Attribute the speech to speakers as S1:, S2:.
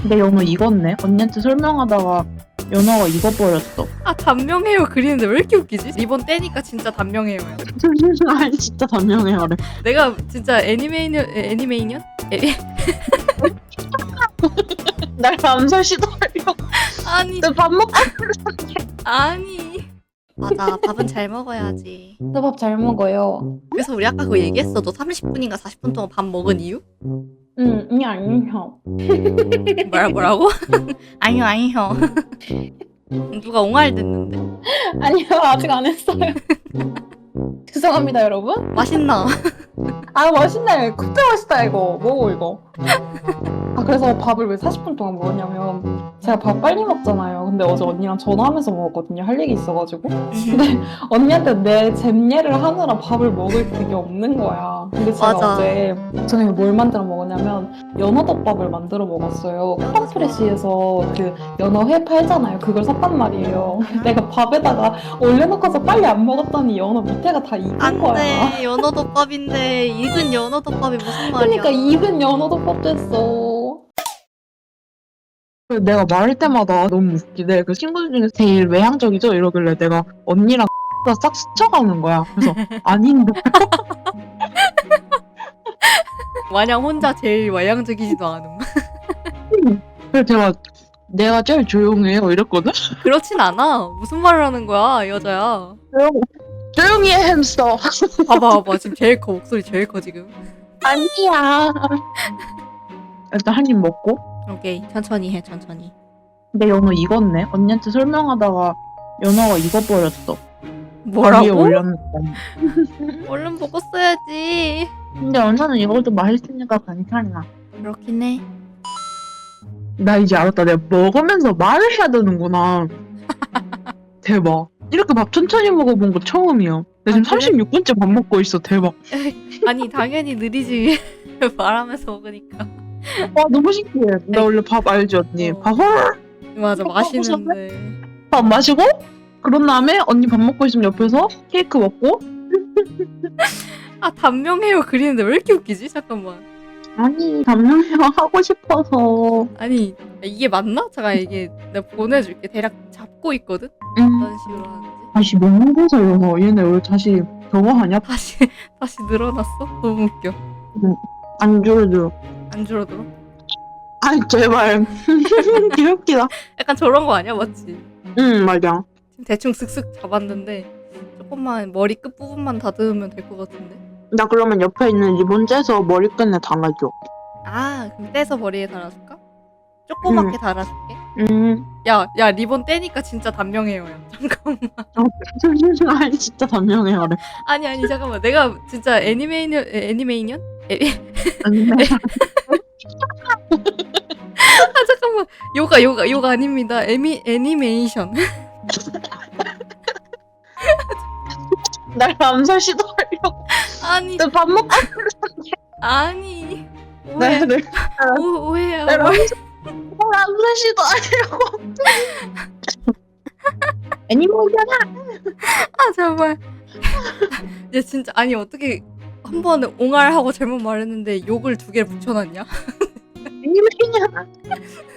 S1: 내 연어 익었네. 언니한테 설명하다가 연어가 익어버렸어.
S2: 아 단명 헤어 그리는데 왜 이렇게 웃기지? 리본 떼니까 진짜 단명 헤어야.
S1: 아니 진짜 단명해요래.
S2: 내가 진짜 애니메이션?
S1: 날 암살 시도하려고.
S2: 아니
S1: 밥 먹고.
S2: 아니. 맞아 밥은 잘 먹어야지.
S3: 저 밥 잘 먹어요.
S2: 그래서 우리 아까 그거 얘기했어. 너 30분인가 40분 동안 밥 먹은 이유?
S3: 아니요.
S2: 뭐라고? 아니요. 누가 옹알 듣는데?
S3: 아니요, 아직 안 했어요. 죄송합니다, 여러분.
S2: 맛있나?
S3: 아, 맛있네. 그때 맛있다, 이거. 먹어, 이거. 아, 그래서 밥을 왜 40분 동안 먹었냐면, 제가 밥 빨리 먹잖아요. 근데 어제 언니랑 전화하면서 먹었거든요. 할 얘기 있어가지고. 근데 언니한테 내 잼예를 하느라 밥을 먹을 그게 없는 거야. 근데 제가
S2: 맞아.
S3: 어제 저녁에 뭘 만들어 먹었냐면, 연어덮밥을 만들어 먹었어요. 크럼프레시에서 그 연어회 팔잖아요. 그걸 샀단 말이에요. 내가 밥에다가 올려놓고서 빨리 안 먹었더니 연어 밑에가 다 익은 거야.
S2: 안돼 연어덮밥인데 익은 연어덮밥이 무슨 말이야?
S3: 그러니까 익은 연어덮밥 됐어.
S1: 내가 말할 때마다 너무 웃기대. 그 친구들 중에서 제일 외향적이죠? 이러길래 내가 언니랑 싹 스쳐가는 거야. 그래서 아닌데.
S2: 마냥 혼자 제일 외향적이지도 않음.
S1: 그래서 내가 제일 조용해요 이랬거든?
S2: 그렇진 않아. 무슨 말을 하는 거야 여자야.
S1: 조용히 해 햄스터.
S2: 봐봐 지금 제일 커 목소리 제일 커 지금.
S1: 아니야. 일단 한 입 먹고.
S2: 오케이 천천히 해 천천히.
S1: 내 연어 익었네. 언니한테 설명하다가 연어가 익어버렸어. 위에
S2: 뭐라고?
S1: 올렸는데.
S2: 얼른 먹었어야지.
S1: 근데 연어는 익어도 맛있으니까 괜찮아.
S2: 그렇긴 해.
S1: 나 이제 알았다. 내가 먹으면서 말을 해야 되는구나. 대박. 이렇게 밥 천천히 먹어본 거 처음이야. 나 지금
S2: 아, 그래?
S1: 36분째 밥 먹고 있어. 대박.
S2: 아니 당연히 느리지. 말하면서 먹으니까.
S1: 와 너무 신기해. 나 원래 밥 알지 언니?
S2: 어.
S1: 밥 헐.
S2: 맞아
S1: 어,
S2: 맛있는데.
S1: 밥 마시고 그런 다음에 언니 밥 먹고 있으면 옆에서 케이크 먹고.
S2: 아 단명 헤어 그리는데 왜 이렇게 웃기지? 잠깐만.
S1: 아니 담요형 하고 싶어서.
S2: 아니 이게 맞나? 잠깐 이게 내가 보내줄게. 대략 잡고 있거든.
S1: 응.
S2: 어떤 식으로 하는지.
S1: 다시 먹는 거서 이러서 얘네 왜 다시 저거 하냐?
S2: 다시 늘어났어? 너무 웃겨.
S1: 안 줄어들어.
S2: 안 줄어들어?
S1: 아이 제발. 귀엽기다.
S2: 약간 저런 거 아니야? 맞지?
S1: 응 맞아.
S2: 지금 대충 슥슥 잡았는데 조금만 머리 끝 부분만 다듬으면 될 것 같은데.
S1: 나 그러면 옆에 있는 리본 째서 머리끈에 달아줘.
S2: 아 그럼 떼서 머리에 달아줄까? 조그맣게 달아줄게. 야 리본 떼니까 진짜 단명해요야. 잠깐만.
S1: 아니 진짜 단명해요래.
S2: 아니 잠깐만. 내가 진짜 애니메이션?
S1: 아니
S2: 아 잠깐만. 요가 아닙니다. 애니메이션.
S1: 날 암살 시도하려고.
S2: 아니
S1: 너 밥 먹고.
S2: 아니
S1: 네.
S2: 오해야.
S1: 날 암살 시도하려고. 애니메이션아.
S2: 아 정말. 얘 진짜 아니 어떻게 한 번에 옹알하고 잘못 말했는데 욕을 두 개를 붙여놨냐?
S1: 애니메이션아.